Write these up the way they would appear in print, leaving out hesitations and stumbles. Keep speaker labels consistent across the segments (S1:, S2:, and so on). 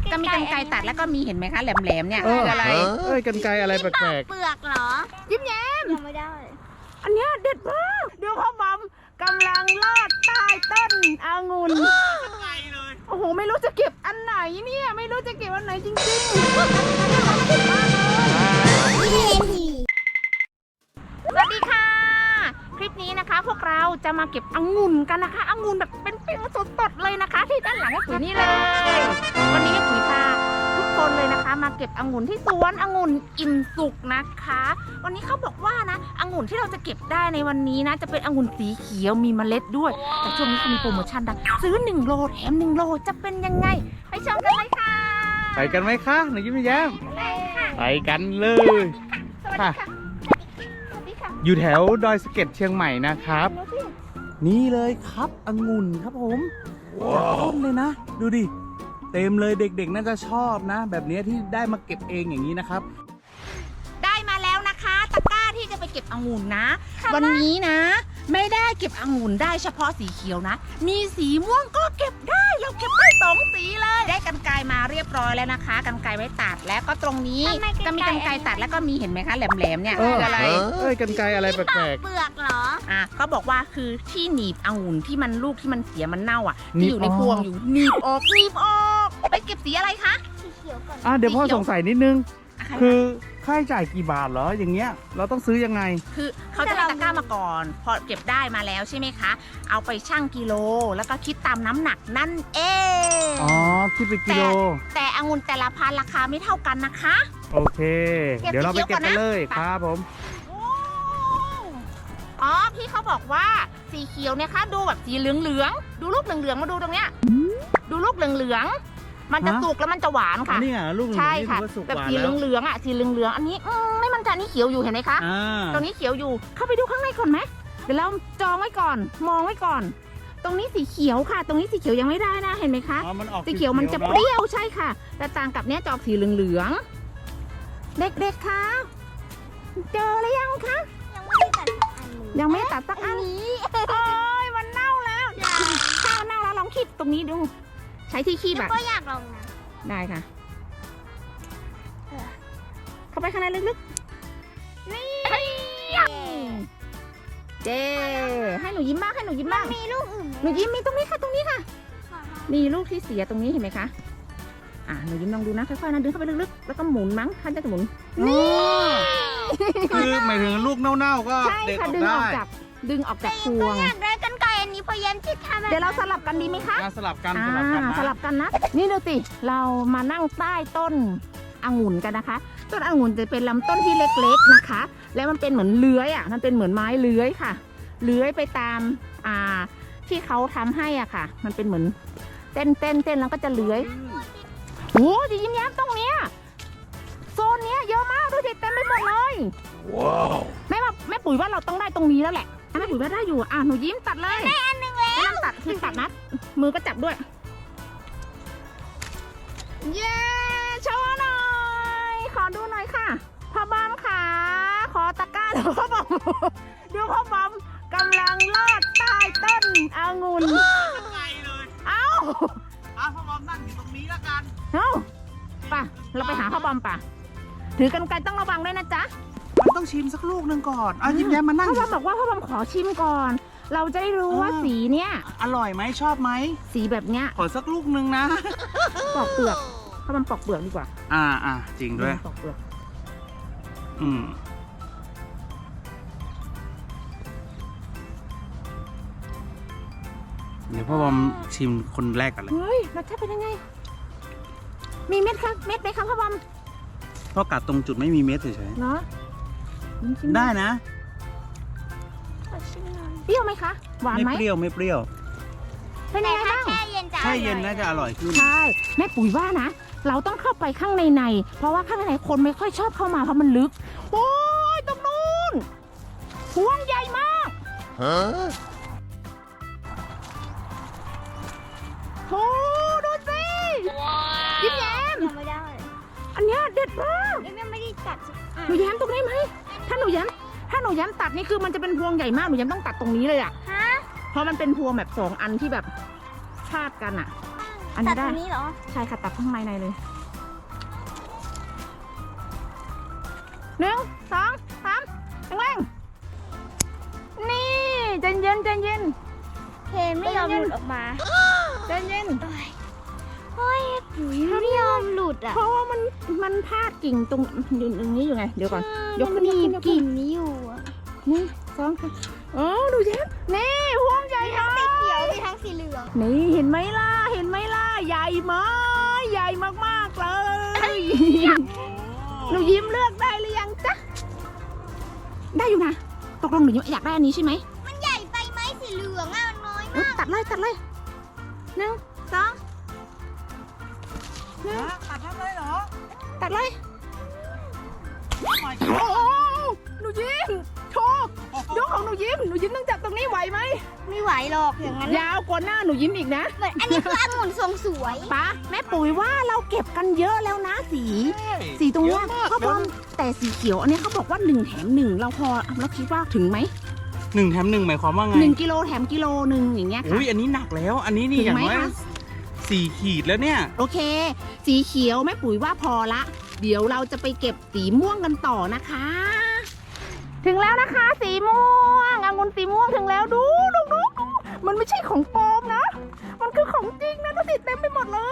S1: ก็มีกรรไกรตัดแล้วก็มีเห็นไหมคะแหลมๆเนี่ยอะไร
S2: กรรไกรอะไรแปลก
S3: เปลือกเหรอ
S1: ยิ้มแย้ม
S3: ยังไม่ได้
S1: อันเนี้ยเด็ดมากดูพ่อบอมกำลังลอดใต้ต้นองุ่นโอ้โหไม่รู้จะเก็บอันไหนเนี่ยไม่รู้จะเก็บอันไหนจริงๆสวัสดีค่ะคลิปนี้นะคะพวกเราจะมาเก็บองุ่นกันนะคะองุ่นแบบเป็นสดๆเลยนะคะ ที่ด้านหลังให้ปุ๋ยนี่เลยวันนี้ปุ๋ยพาทุกคนเลยนะคะมาเก็บองุ่นที่สวนองุ่นอิ่มสุกนะคะวันนี้เขาบอกว่านะองุ่นที่เราจะเก็บได้ในวันนี้นะจะเป็นองุ่นสีเขียวมีเมล็ดด้วยแต่ช่วงนี้เขามีโปรโมชั่นนะซื้อ1โลแถม1โลจะเป็นยังไงไปชมกันเลยค่ะ
S2: ๆไปกันไหมคะหนูยิ้มแย้มไปกันเลย
S1: สวัสดีค่ะสวัสดีค่ะ
S2: อยู่แถวดอยสะเก็ดเชียงใหม่นะครับ นี่เลยครับองุ่นครับผมจากต้นเลยนะ ดูดิเต็มเลยเด็กๆน่าจะชอบนะ แบบนี้ที่ได้มาเก็บเองอย่างนี้นะครับ
S1: ได้มาแล้วนะคะตะกร้าที่จะไปเก็บองุ่นนะวันนี้นะไม่ได้เก็บองุ่นได้เฉพาะสีเขียวนะมีสีม่วงก็เก็บได้เราเก็บได้2สีเลยได้กรรไกรมาเรียบร้อยแล้วนะคะกรรไกรไว้ตัดแล้วก็ตรงนี้ก็มีกรรไกรตัดแล้วก็มีเห็นไหมคะแหลมๆเนี่ยอะไร
S2: กรรไกรอะไรแปลก
S3: เปลือกเหรอ
S1: เขาบอกว่าคือที่หนีบองุ่นที่มันลูกที่มันเสียมันเน่าอ่ะที่อยู่ในพวงอยู่หนีบออกไปเก็บสีอะไรคะ
S3: สีเขียวก่อน
S2: ๆเดี๋ยวพ่อสงสัยนิดนึง
S1: คื
S2: คือ อค่าใช้จ่ายกี่บาทเหรออย่างเงี้ยเราต้องซื้อยังไง
S1: คือเขาจะให้ตะกร้ามาก่อนพอเก็บได้มาแล้วใช่ไหมคะเอาไปชั่งกิโลแล้วก็คิดตามน้ำหนักนั่นเอง
S2: อ๋อคิดเป็นกิโล
S1: แต่องุ่นแต่ละพันราคาไม่เท่ากันนะคะ
S2: โอเค เดี๋ยวเราไปเก็บกันเลยครับผม
S1: อ๋อพี่เขาบอกว่าสีเขียวเนี่ยคะดูแบบสีเหลืองๆดูลูกเหลืองๆมาดูตรงเนี้ยดูลูกเหลืองๆมันจะสุกแล้วมันจะหวานค่ะ
S2: นี่ลูก
S1: ใช่ค่ะ
S2: นี่ถือว่าสุก
S1: แบบ
S2: หวาน
S1: สี
S2: แล้ว
S1: เหลืองๆสีเหลืองๆอันนี้ไม่มันจะนี่เขียวอยู่เห็นไหมคะตรงนี้เขียวอยู่เข้าไปดูข้างในก่อนไหมเดี๋ยวเราจองไว้ก่อนมองไว้ก่อน ตรงนี้สีเขียวค่ะ ตรงนี้สีเขียวยังไม่ได้นะเห็นไหมคะสีเขียวมันจะเปรี้ยวใช่ค่ะ แต่ต่างกับเนี้ยจะออกสีเหลืองๆเด็กๆคะเจอหรือยังคะ
S3: ยังไม่ได้ตัดอันนี้
S1: ยังไม่ตัดสักอันนี้โอ้ยมันเน่าแล้วถ้ามันเน่าแล้วลองคีบตรงนี้ดูใช้ที่คีบแบบ
S3: ก็อยากลองนะ
S1: ได้ค่ะ เข้าไปข้างในลึกๆนี่เจ๊ให้หนูยิ้มบ้างให้หนูยิ้มบ้าง
S3: มีลูกอื่น
S1: หนูยิ้มมีตรงนี้ค่ะตรงนี้ค่ะนี่ลูกที่เสียตรงนี้เห็นไหมคะหนูยิ้มลองดูนะค่อยๆนะดึงเข้าไปลึกๆแล้วก็หมุนมั้งท่านจะหมุนนี่
S2: คือหมายถึงลูกเน่าๆก็
S1: ใช่
S2: เด็ดอ
S1: ค่ะ
S2: อก
S1: ดึงอ
S2: ได้
S1: อกจากพวง
S3: อยากได้กันไกรอันนี้พยายามที่ทำ
S1: เดี๋ยวเราสลับกันดีไหมคะ
S2: สลับกัน
S1: สลับกันนะ นี่ดูสิเรามานั่งใต้ต้นองุ่นกันนะคะ ต้นองุ่นจะเป็นลำต้นที่เล็กๆนะคะ แล้วมันเป็นเหมือนเลื้อยมันเป็นเหมือนไม้เลื้อยค่ะ เลื้อยไปตามที่เขาทำให้ค่ะ มันเป็นเหมือนเต้นแล้วก็จะเลื้อยโอ้ยยิ้มแย้มตรงเนี้ยโซนเนี้ยเยอะมากดูดิเต็มไปหมดเลยว้าวแม่ปุ๋ยว่าเราต้องได้ตรงนี้แล้วแหละแม่ปุ๋ยว่าได้อยู่หนูยิ้มตัดเลยได้อันนึงแล้วไม่ต้องตัดคือตัดนะมือก็จับด้วยเย้โชว์หน่อยขอดูหน่อยค่ะพ่อบอมค่ะขอตะกร้าดูพ่อบอมดูพ่อบอมกำลังลอดใต้ต้นองุ่นเอ้า
S2: พ่อบอมนั่งอยู่ตรงนี้แล้วกัน
S1: ป่ะเราไปหาพ่อบอมป่ะถือกรรไกรต้องระวังด้วยนะจ๊ะ
S2: มันต้องชิมสักลูกหนึ่งก่อนยิ้มแย้มมานั่ง
S1: พ่อบอมบอกว่าพ่อบอมขอชิมก่อน เราจะได้รู้ว่าสีเนี้ย
S2: อร่อยไหมชอบไหม
S1: สีแบบเนี้ย
S2: ขอสักลูกหนึ่งนะ
S1: ปอกเปลือกพ่อบอมปอกเปลือกดีกว่า
S2: จริงด้วย
S1: ปอกเปลือก
S2: เดี๋ยวพ่อบอมชิมคนแรกกันเลย
S1: เฮ้ยรสชาติเป็นยังไงมีเม็ดครับเม็ดไหมครับพ่อบอม
S2: พ่อกัดตรงจุดไม่มีเม็ดเฉย
S1: เนาะ
S2: ๆได้นะ
S1: เปรี้ยวไหมคะหวาน
S2: ไม่
S1: ไหม
S2: เปรี้ยวไม่เปรี้ยว
S1: เป็นยังไงบ้าง
S3: แช่เย็นจะ
S2: แช่เย็นน่าจะอร่อยขึ้น
S1: ใช่แม่ปุ๋ยว่านะเราต้องเข้าไปข้างในเพราะว่าข้างในคนไม่ค่อยชอบเข้ามาเพราะมันลึกโอ้ยตรงนู้นพวงใหญ่มากโอ้ดูสิยิ้มแย้ม
S3: ยังไม่ได้
S1: อันเนี้ยเด็ดมาก
S3: ยังไม่ได้ตัด
S1: หนูแย้มตรงนี้ไหมถ้าหนูแย้มตัดนี่คือมันจะเป็นพวงใหญ่มากหนูแย้มต้องตัดตรงนี้เลยเพราะมันเป็นพวงแบบ2 อันที่แบบชาติกันอัน
S3: ตั
S1: นี้
S3: ดต
S1: ได้
S3: รงนี้เหรอ
S1: ใช่ค่ะตัดข้างในเลยหนึ่งสองสามแรงๆนี่ใจเย็นใจเย็น
S3: เคนไม่ยอมหลุดออกมา
S1: ใจเย็น
S3: เฮ้ยปุ๋ยไม่ยอมหลุดอ่ะ
S1: เพราะว่ามันพาดกิ่งตรงนี้อยู่ไงเดี๋ยวก่อนยกขึ้น
S3: มี
S1: ยกขึ้น
S3: กิ่งนี้อยู่อะ
S1: นี่สองค่ะอ๋อดูเย็นนี่พวงใหญ่
S3: มีทั้ง
S1: มา
S3: สี
S1: ก
S3: เขียวมีทั้งสีเหลือง
S1: นี่เห็นไหมล่ะเห็นไหมล่ะใหญ่มากใหญ่มากๆเลยหนูยิ้มเลือกได้หรือยังจ๊ะได้อยู่นะตกลงหนูยิ้มอยากได้อันนี้ใช่ไหม
S3: มันใหญ่ไปไหมสีเหลืองอ่ะมันน้อย
S1: เอ้
S3: มาย ก
S1: ตัดเลยหนึ่งสอง
S2: ตัดทำเลยเหรอ
S1: ตัดเลยโอ้โหหนูยิ้มโชว์ยกของหนูยิ้มต้องจับตรงนี้ไหวไหม
S3: ไม่ไหวหรอกอย่างนั้น
S1: ยาวกว่าหน้าหนูยิ้มอีกนะ
S3: เหมือนอันนี้คือองุ่นทรงสวย
S1: ป้าแม่ปุ๋ยว่าเราเก็บกันเยอะแล้วนะสีตรงเนี้ยก็พอแต่สีเขียวอันนี้เขาบอกว่า1 แถม 1เราพอเราคิดว่าถึงไหม
S2: 1 แถม 1หมายความว่าไง
S1: 1 กิโลแถมกิโลหนึ่งอย่างเงี้ยค่ะ
S2: อุ้ยอันนี้หนักแล้ว อันนี้นี่
S1: ถึง
S2: อย่าง
S1: ไหม
S2: น้อย
S1: คะ
S2: 4 ขีดแล้วเนี่ย
S1: โอเค สีเขียวแม่ปุ๋ยว่าพอละ เดี๋ยวเราจะไปเก็บสีม่วงกันต่อนะคะ ถึงแล้วนะคะ สีม่วงองุ่นสีม่วงถึงแล้วดูมันไม่ใช่ของปลอมนะ มันคือของจริงนะดูสิเต็มไปหมดเลย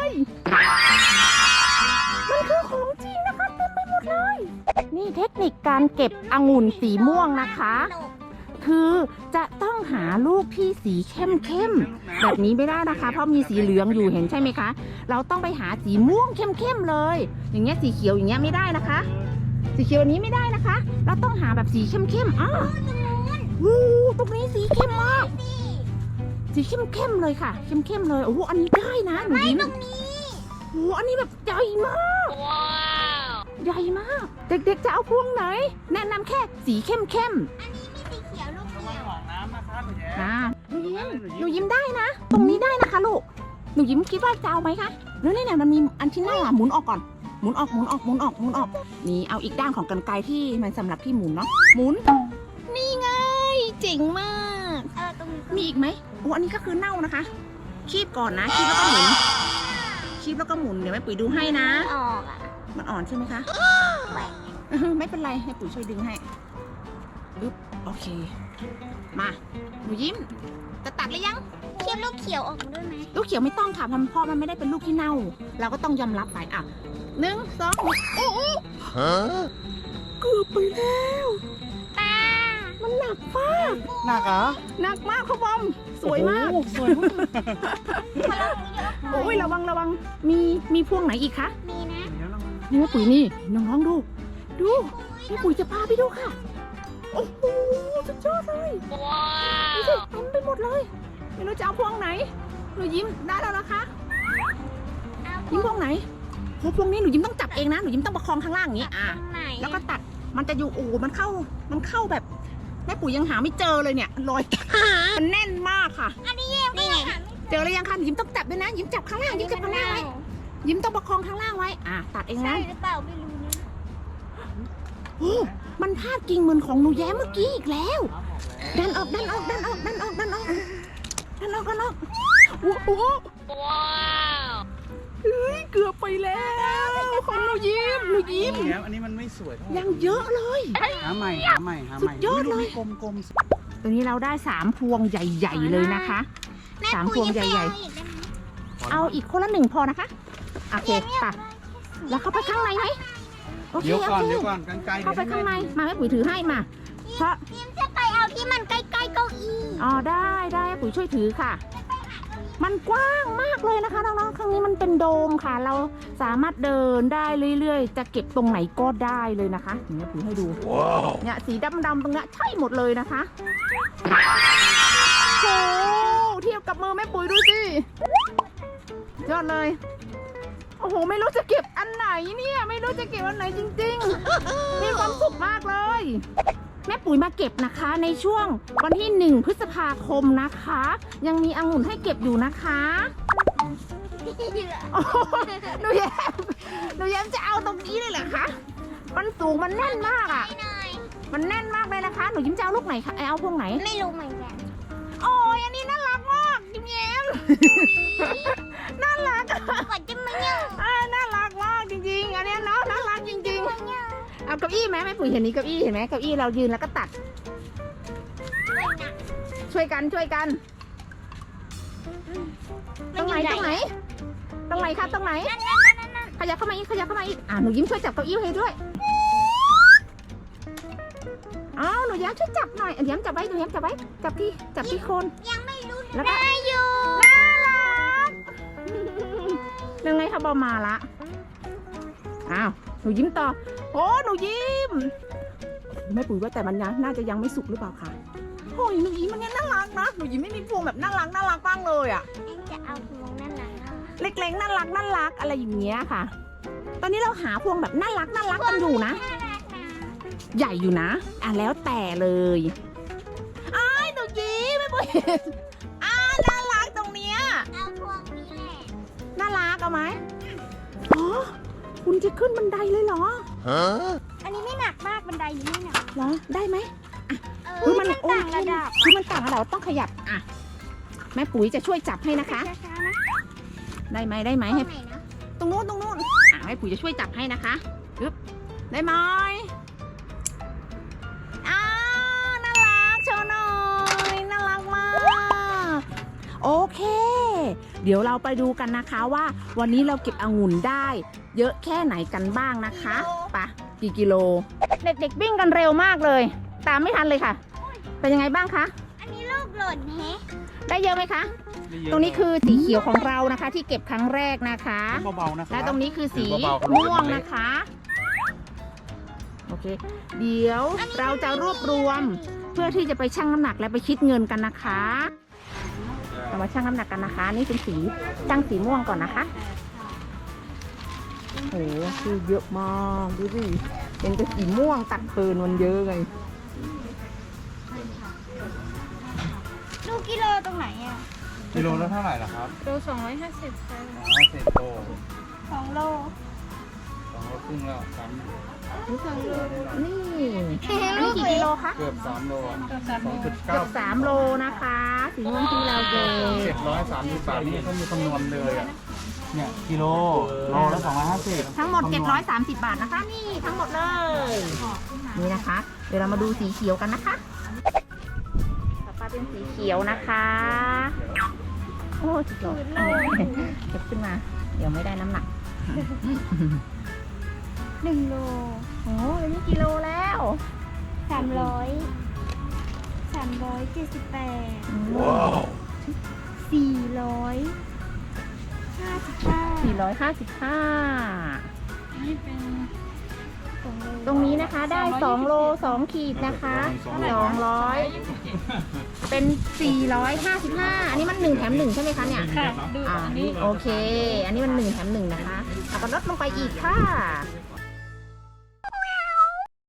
S1: มันคือของจริงนะคะเต็มไปหมดเลย นี่เทคนิคการเก็บองุ่นสีม่วงนะคะ คือจะต้องหาลูกที่สีเข้มๆแบบนี้ไม่ได้นะคะ เพราะมีสีเหลืองอยู่เห็นใช่ไหมคะ เราต้องไปหาสีม่วงเข้มๆเลย อย่างเงี้ยสีเขียวอย่างเงี้ยไม่ได้นะคะ สีเขียวอันนี้ไม่ได้นะคะ เราต้องหาแบบสีเข้มๆอ้าววู้ตรงนี้สีเข้มมาก สีเข้มๆเลยค่ะ เข้มๆเลยโอ้โหอันนี้ได้นะหนูยิ้ม
S3: ตรงนี้
S1: โอ้โหอันนี้แบบใหญ่มากใหญ่มาก เด็กๆจะเอาพวงไหน แนะนำแค่สีเข้ม
S3: อันนี้มีสีเขียวลูก
S2: ระ
S3: เขี
S2: วัง
S3: ยว
S2: หนองน้ำนะครับหนูแย้
S1: ๆนะหนูยิ้ม
S2: หนู
S1: หนูยิ้มได้นะ ตรงนี้ได้นะคะลูก หนูยิ้มคิดว่าจะเอาไหมคะแล้วเนี่ยมันมีอันที่หน้าหมุนออกก่อน หมุนออก นี่เอาอีกด้านของกรรไกรที่มันสำหรับที่หมุนเนาะ หมุน นี่ไง เจ๋งมาก
S3: ตรงนี้
S1: มีอีกไหมโอ้อันนี้ก็คือเน่านะคะ คีบก่อนนะ คีบแล้วก็หมุน คีบแล้วก็หมุน เดี๋ยวแม่ปุ๋ยดูให้นะ
S3: ออกอ่ะ
S1: มันอ่อนใช่ไหมคะ ไม่เป็นไรให้ปุ๋ยช่วยดึงให้อึ๊บโอเค มาหนูยิ้ม จะตัดหรือยัง
S3: เคี่ยวลูกเขียวออกมาด้วยไหม
S1: ลูกเขียวไม่ต้องค่ะเพราะมันไม่ได้เป็นลูกที่เน่า เราก็ต้องยอมรับไปอ่ะ1 2โอ้โหเกือบไปแล้ว
S3: ป้า
S1: มันหนักมาก
S2: หนักเหรอ
S1: หนักมากเขาบอม สวยมาก
S2: โอ้โหสวยมาก
S1: โอ้ยระวังมีพวงไหนอีกคะ
S3: มีนะ
S1: นี่แม่ปุ๋ยนี่น้องๆดูแม่ปุ๋ยจะพาไปดูค่ะ โอ้โหสุดยอดเลยดูสิเต็มไปหมดเลยไม่รู้จะเอาพวงไหนหนูยิ้มได้แล้วนะคะ ยิ้มพวงไหนโอ้พวงนี้หนูยิ้มต้องจับเองนะหนูยิ้มต้องประคองข้างล่างอย่างนี้อ่ะ
S3: ตรงไหน
S1: แล้วก็ตัดมันจะอยู่โอ้มันเข้าแบบแม่ปุ๋ยยังหาไม่เจอเลยเนี่ยรอย มันแน่นมากค่ะ
S3: นี่ไง
S1: เจอแล้วยังคะหนูยิ้มต้องจับด้วยนะยิ้มจับข้างล่างยิ้มจับข้างล่างไว้ยิ้มต้องประคองข้างล่างไว้อ่ะตัดเอง
S3: ใช่
S1: นะ
S3: หรือเปล่าไม่รู้นะ
S1: โอ้มันพาดกิ่งเหมือนของหนูแย้มเมื่อกี้อีกแล้วดันออกโอ้โหเฮ้ยเกือบไปแล้วของหนูยิ้ม
S2: นี่แล้วอันนี้มันไม่สวยเท่าไหร่
S1: ยังเยอะเลย
S2: หาใหม่
S1: สุดยอดเลย
S2: กลม
S1: ตัวนี้เราได้3 พวงใหญ่ ๆ เลยนะคะ
S3: แม่
S1: 3 พ
S3: ปุ๋
S1: วย ง
S3: ยัง
S1: ใหญ่
S3: ๆ
S1: ๆ เอาอีกคนละ1พอนะคะโอเคป่ะแล้วเข้าไปข้างในไหมโอ
S2: ๆ
S1: เค
S2: เดี๋ยว
S1: โอ
S2: ก่อน
S1: เค
S2: กันไกล
S1: เข้าไปข้างในมาแม่ปุ๋ยถือให้มาเพราะ
S3: ยิ้มจะไปเอาที่มันใกล้ๆเก้าอี้
S1: อ๋อได้แม่ปุ๋ยช่วยถือค่ะ มันกว้างมากเลยนะคะน้องๆข้างนี้มันเป็นโดมค่ะ เราสามารถเดินได้เรื่อยๆ จะเก็บตรงไหนก็ได้เลยนะคะเดี๋ยวแม่ปุ๋ยให้ดูเนี่ยสีดำๆตรงเนี้ยใช่หมดเลยนะคะโอ้เทียบกับมือแม่ปุ๋ยดูสิยอดเลยโอ้โหไม่รู้จะเก็บอันไหนเนี่ยไม่รู้จะเก็บอันไหนจริงๆมีความสุขมากเลยแม่ปุ๋ยมาเก็บนะคะในช่วงวันที่1 พฤษภาคมนะคะ ยังมีองุ่นให้เก็บอยู่นะคะโอ้โหหนูแย้มจะเอาตรงนี้เลยเหรอคะมันสูงมันแน่นมากอ่ะ
S3: หน่อย
S1: มันแน่นมากเลยนะคะ หนูยิ้มจะเอาลูกไหนคะเอาพวงไหน
S3: ไม่รู้เหมือนกัน
S1: โอ้ยอันนี้น่ารักมากยิ้มแย้มน่ารัก
S3: กดจะมาเนี่ย
S1: น่ารักมากจริงๆอันเนี้ยเนาะน่ารักจริงๆเอาเก้าอี้ไหมแม่ปุ๋ยเห็นนี้เก้าอี้เห็นไหมเก้าอี้เรายืนแล้วก็ตัดช่วยกันตรงไหนคะตรงไหนขยับเข้ามาอีกหนูยิ้มช่วยจับเก้าอี้ให้ด้วยอ้าวหนูย้มช่วยจับหน่อยย้มจับไว้จับที่โคน
S3: ยังไม่รู้
S1: แล้วก็
S3: ได้อยู่
S1: น่ารักยังไงคะบอมาละอ้าวหนูยิ้มต่อโอ้หนูยิ้มแม่ปุ๋ยว่าแต่มันน่าจะยังไม่สุกหรือเปล่าคะโอ้ยหนูยิ้มมันเนี่ยน่ารักนะหนูยิ้มไม่มีพวงแบบน่ารักบ้างเลยอ่ะ
S3: จะเอาพวงนั่นแหละ
S1: เล็กๆน่ารักอะไรอย่างเงี้ยค่ะ ตอนนี้เราหาพวงแบบน่ารักกันอยู่นะ ใหญ่อยู่นะแล้วแต่เลยอ้ายหนูยิ้มไม่ปุ๋ยน่ารักตรงเนี้ย
S3: เอาพวงนี้แหละ
S1: น่ารักเอาไหมอ๋อคุณจะขึ้นบันไดเลยเหรอ
S3: อันนี้ไม่หนักมากบันไดนี้ไม่หนัก
S1: เหรอได้ไหม
S3: มันต่างระดับ
S1: คือมันต่างระดับต้องขยับแม่ปุ๋ยจะช่วยจับให้นะคะ
S3: ช้าๆนะ
S1: ได้ไหม
S3: ตรง
S1: ให้
S3: ไหนนะ
S1: ตรงนู้นแม่ปุ๋ยจะช่วยจับให้นะคะปึ๊บได้ไหมน่ารักโชว์หน่อยน่ารักมากโอเค เดี๋ยวเราไปดูกันนะคะว่าวันนี้เราเก็บองุ่นได้ เยอะแค่ไหนกันบ้างนะคะไปะกี่กิโลเด็กๆวิ่งกันเร็วมากเลย ตามไม่ทันเลยค่ะ เป็นยังไงบ้างคะ
S3: อันนี้ลูกหล่นแฮะ
S1: ได้เยอะไหมคะ ตรงนี้คือสีเขียวของเรานะคะ ที่เก็บครั้งแรกนะคะ
S2: เบาๆนะคะ
S1: และตรงนี้คือสี
S2: ถือเบาๆ
S1: ม่วงนะคะโอเค เดี๋ยวเราจะรวบรวมเพื่อที่จะไปชั่งน้ำหนักและไปคิดเงินกันนะคะเรามาชั่งน้ำหนักกันนะคะ นี่เป็นสีชั่งสีม่วงก่อนนะคะโอ้โหคือเยอะมากดูสิเป็นแต่สีม่วงตัดเพลินมันเยอะไง
S3: ลูกกิโลตรงไหนอ่ะ
S2: กิโลละเท่าไหร่ล่ะครับ
S3: โล250ค่ะ
S2: 50 โล
S3: 2 โล
S2: 2 โลครึ่งแล้ว3
S1: นี่นี่กี่กิโลคะ
S2: เกือบ3 โล
S1: เกือบ
S2: 2.9
S1: 3 โลนะคะสีม่วงที่เราเก็บ
S2: 730 บาทนี่เขามีคำนวณเลยอ่ะเนี่ยกิโลละ250
S1: ทั้งหมด 730 บาทนะคะ นี่ทั้งหมดเลย นี่นะคะ เดี๋ยวเรามาดูสีเขียวกันนะคะต่อไปเป็นสีเขียวนะคะ โอ้สีเขียวเก็บขึ้นมา เดี๋ยวไม่ได้น้ำหนัก
S3: 1 โล
S1: โอ้ยนี่กิโลแล้ว
S3: 378
S2: ว้าว
S3: 455 นี่เป็น
S1: ตรงนี้นะคะได้2 โล 2 ขีดนะคะ 200 เป็น 455 อันนี้มัน1 แถม 1 ใช่ไหมคะเนี่ย
S3: ค่ะ ดูอันนี้
S1: โอเค อันนี้มัน1 แถม 1 นะคะเอาก็ลดลงไปอีกค่ะ